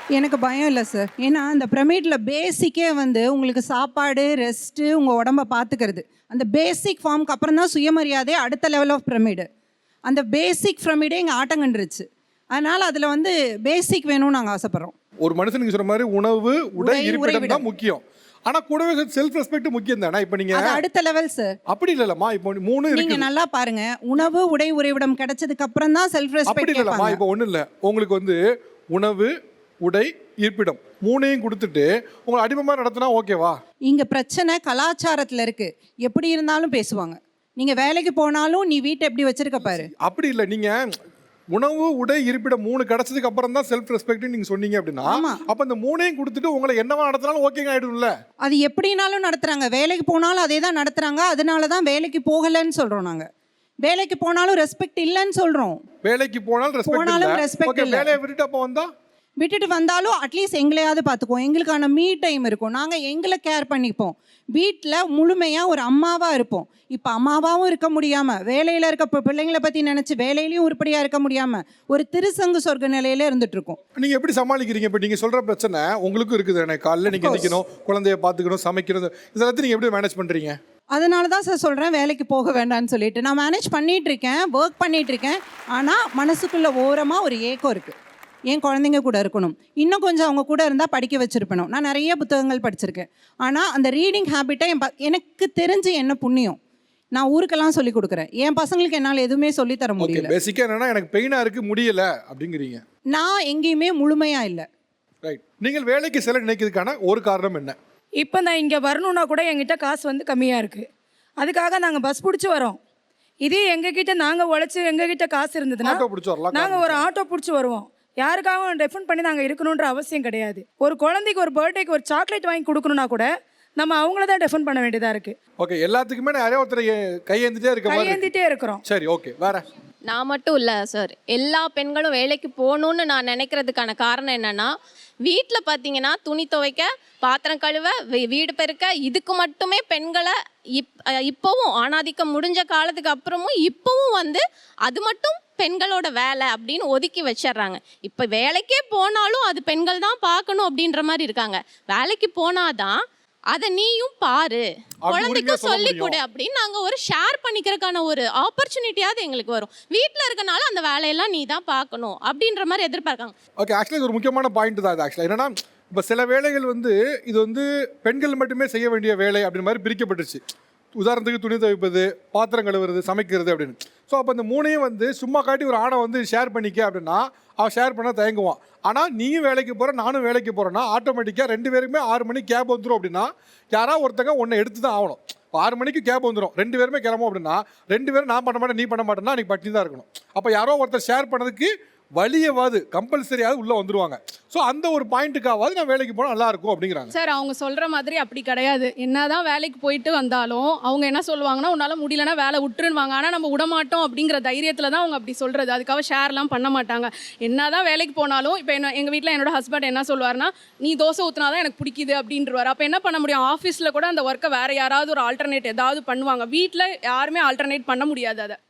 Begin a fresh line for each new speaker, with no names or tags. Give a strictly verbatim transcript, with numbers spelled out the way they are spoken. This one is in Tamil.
எனக்கு பயம் இல்லை சார். ஏன்னா அந்த பிரமிட்ல பேசிக்கே வந்து உங்களுக்கு சாப்பாடு, ரெஸ்ட்டு, உங்கள் உடம்ப பார்த்துக்கிறது. அந்த பேசிக் ஃபார்முக்கு அப்புறம் தான் சுயமரியாதை அடுத்த லெவல் ஆஃப் பிரமிடு. அந்த பேசிக் பிரமிடே இங்கே ஆட்டம் கண்டுருச்சு. அதனால் அதில் வந்து பேசிக் வேணும்னு நாங்கள் ஆசைப்பட்றோம்.
ஒரு மனுஷனுக்கு சொல்ற மாதிரி உணவு, உடை, இருப்பிடம் தான் முக்கியம். ஆனா கூடவே செல்ஃப் ரெஸ்பெக்ட் முக்கியம் தானே. இப்போ நீங்க
அது அடுத்த லெவல் சார்.
அப்படி இல்லலம்மா. இப்போ மூணு இருக்கு.
நீங்க நல்லா பாருங்க. உணவு, உடை, உறைவிடம் கிடைச்சதுக்கு அப்புறம் தான் செல்ஃப் ரெஸ்பெக்ட்.
அப்படி இல்லலம்மா. இப்போ ஒண்ணு இல்ல. உங்களுக்கு வந்து உணவு, உடை, இருப்பிடம் மூணையும் கொடுத்துட்டு உங்களை அடிமைமா நடத்தினா ஓகேவா? இங்க
பிரச்சனை கலாச்சாரத்துல இருக்கு. எப்படி இருந்தாலும் பேசுவாங்க. நீங்க வேலைக்கு போனாலும் நீ வீட்டை எப்படி வச்சிருக்க பாரு.
அப்படி இல்லை. நீங்க உணவு, உடை, இருப்பிடம் மூணு கிடைச்சதுக்கு அப்புறம் தான் செல்ஃப் ரெஸ்பெக்ட் நீங்க சொன்னீங்க அப்படின்னா, அப்ப இந்த மூணையும் கொடுத்துட்டு உங்களை என்னவா நடத்தினாலும் ஓகேங்க ஆயிடும்ல.
அது எப்படினாலும் நடத்துறாங்க. வேலைக்கு போனாலும் அதே தான் நடத்துறாங்க. அதனால தான் வேலைக்கு போகலன்னு சொல்றோம் நாங்க. வேலைக்கு போனாலும் ரெஸ்பெக்ட் இல்லைன்னு சொல்றோம்.
வேலைக்கு போனாலும் ரெஸ்பெக்ட் இல்ல. வேலையை விட்டுட்டு அப்போ வந்தா
விட்டுட்டு வந்தாலும் அட்லீஸ்ட் எங்களையாவது பார்த்துக்குவோம். எங்களுக்கான மீ டைம் இருக்கும். நாங்கள் எங்களை கேர் பண்ணிப்போம். வீட்டில் முழுமையாக ஒரு அம்மாவாக இருப்போம். இப்போ அம்மாவாகவும் இருக்க முடியாமல், வேலையில் இருக்க பிள்ளைங்களை பற்றி நினச்சி வேலையிலையும் உருப்படியாக இருக்க முடியாமல் ஒரு திருசங்கு சொர்க்க நிலையில இருந்துட்டுருக்கோம்.
நீங்கள் எப்படி சமாளிக்கிறீங்க? இப்போ நீங்கள் சொல்கிற பிரச்சனை உங்களுக்கும் இருக்குது. எனக்கு காலையில் நீங்கள் நிற்கணும், குழந்தைய பார்த்துக்கணும், சமைக்கிறது, இதெல்லாம் நீங்கள் எப்படி மேனேஜ் பண்ணுறீங்க?
அதனால தான் சார் சொல்கிறேன் வேலைக்கு போக வேண்டாம்னு சொல்லிட்டு. நான் மேனேஜ் பண்ணிகிட்டு இருக்கேன், ஒர்க் பண்ணிகிட்டு இருக்கேன். ஆனால் மனசுக்குள்ள ஓரமாக ஒரு ஏக்கம் இருக்குது. என் குழந்தைங்க கூட இருக்கணும், இன்னும் கொஞ்சம் அவங்க கூட இருந்தால் படிக்க வச்சுருப்பணும். நான் நிறைய புத்தகங்கள் படிச்சிருக்கேன். ஆனால் அந்த ரீடிங் ஹேபிட்டை என் ப எனக்கு தெரிஞ்சு என்ன புண்ணியம் நான் ஊருக்கெல்லாம் சொல்லி கொடுக்குறேன். என் பசங்களுக்கு என்னால் எதுவுமே சொல்லித்தர முடியல.
பேசிக்காக என்னன்னா எனக்கு பெயினாக இருக்குது, முடியல அப்படிங்கிறீங்க.
நான் எங்கேயுமே முழுமையாக இல்லை.
ரைட். நீங்கள் வேலைக்கு செல்ல நினைக்கிறதுக்கான ஒரு காரணம் என்ன?
இப்போ நான் இங்கே வரணுன்னா கூட எங்கிட்ட காசு வந்து கம்மியாக இருக்குது. அதுக்காக நாங்கள் பஸ் பிடிச்சி வரோம். இதே எங்ககிட்ட நாங்கள் உழைச்சி எங்ககிட்ட காசு இருந்ததுன்னா நாங்கள் ஒரு ஆட்டோ பிடிச்சி வருவோம். யாருக்காகவும் டிஃபன் பண்ணி நாங்கள் இருக்கணுன்ற அவசியம் கிடையாது. ஒரு குழந்தைக்கு ஒரு பர்த்டேக்கு ஒரு சாக்லேட் வாங்கி கொடுக்கணும்னா கூட நம்ம அவங்கள தான் டிஃபன் பண்ண வேண்டியதாக இருக்குது.
ஓகே, எல்லாத்துக்குமே நிறைய ஒருத்தர் கையேந்திட்டே இருக்க
கையேந்திட்டே இருக்கிறோம்.
சரி, ஓகே. வேற
நான் மட்டும் இல்லை சார், எல்லா பெண்களும் வேலைக்கு போகணுன்னு நான் நினைக்கிறதுக்கான காரணம் என்னென்னா, வீட்டில் பார்த்தீங்கன்னா துணி துவைக்க, பாத்திரம் கழுவ, வீடு பெருக்க, இதுக்கு மட்டுமே பெண்களை இப் இப்போவும் ஆணாதிக்கம் முடிஞ்ச காலத்துக்கு அப்புறமும் இப்போவும் வந்து அது மட்டும் பெண்களோட வேலை அப்படின்னு ஒதுக்கி வச்சிடுறாங்க. இப்போ வேலைக்கே போனாலும் அது பெண்கள் தான் பார்க்கணும் அப்படின்ற மாதிரி இருக்காங்க. வேலைக்கு போனாதான் அதை நீயும் பாரு, குழந்தைக்கும் சொல்லி கொடு அப்படின்னு நாங்கள் ஒரு ஷேர் பண்ணிக்கிறதுக்கான ஒரு ஆப்பர்ச்சுனிட்டியாவது எங்களுக்கு வரும். வீட்டில் இருக்கனால அந்த வேலையெல்லாம் நீ தான் பார்க்கணும் அப்படின்ற மாதிரி எதிர்பார்க்காங்க.
ஓகே, ஆக்சுவலி இது ஒரு முக்கியமான பாயிண்ட் தான். இது ஆக்சுவலாக என்னன்னா, இப்போ சில வேலைகள் வந்து இது வந்து பெண்கள் மட்டுமே செய்ய வேண்டிய வேலை அப்படின்னு மாதிரி பிரிக்கப்பட்டுருச்சு. உதாரணத்துக்கு துணி துவைப்பது, பாத்திரம் கழுவுறது, சமைக்கிறது அப்படின்னு. ஸோ அப்போ இந்த மூணையும் வந்து சும்மா காட்டி ஒரு ஆணை வந்து ஷேர் பண்ணிக்க அப்படின்னா அவன் ஷேர் பண்ண தயங்குவான். ஆனால் நீயும் வேலைக்கு போகிற, நானும் வேலைக்கு போகிறேன்னா ஆட்டோமேட்டிக்காக ரெண்டு பேருக்குமே ஆறு மணிக்கு கேப் வந்துடும். அப்படின்னா யாராவது ஒருத்தங்க ஒன்றை எடுத்து தான் ஆகணும். இப்போ ஆறு மணிக்கு கேப் வந்துடும், ரெண்டு பேருமே கிளம்பும் அப்படின்னா ரெண்டு பேரும் நான் பண்ண மாட்டேன் நீ பண்ண மாட்டேன்னா அன்றைக்கி பட்டி தான் இருக்கணும். அப்போ யாரோ ஒருத்தர் ஷேர் பண்ணதுக்கு வழியவாது கம்பல்சரியாவது உள்ளே வந்துடுவாங்க. ஸோ அந்த ஒரு பாயிண்ட்டுக்காவது நான் வேலைக்கு போனால் நல்லாயிருக்கும் அப்படிங்கிறாங்க.
சார் அவங்க சொல்கிற மாதிரி அப்படி கிடையாது. என்ன தான் வேலைக்கு போயிட்டு வந்தாலும் அவங்க என்ன சொல்லுவாங்கன்னா, உன்னால் முடியலன்னா வேலை விட்டுருவாங்க. ஆனால் நம்ம விடமாட்டோம் அப்படிங்கிற தைரியத்தில் தான் அவங்க அப்படி சொல்கிறது. அதுக்காக ஷேர்லாம் பண்ண மாட்டாங்க. என்ன தான் வேலைக்கு போனாலும் இப்போ என்ன எங்கள் வீட்டில் என்னோட ஹஸ்பண்ட் என்ன சொல்லுவார்னா, நீ தோசை ஊற்றினா தான் எனக்கு பிடிக்குது அப்படின்றவார். அப்போ என்ன பண்ண முடியும்? ஆஃபீஸில் கூட அந்த ஒர்க்கை வேறு யாராவது ஒரு ஆல்டர்னேட் ஏதாவது பண்ணுவாங்க. வீட்டில் யாருமே ஆல்டர்னேட் பண்ண முடியாது. அதை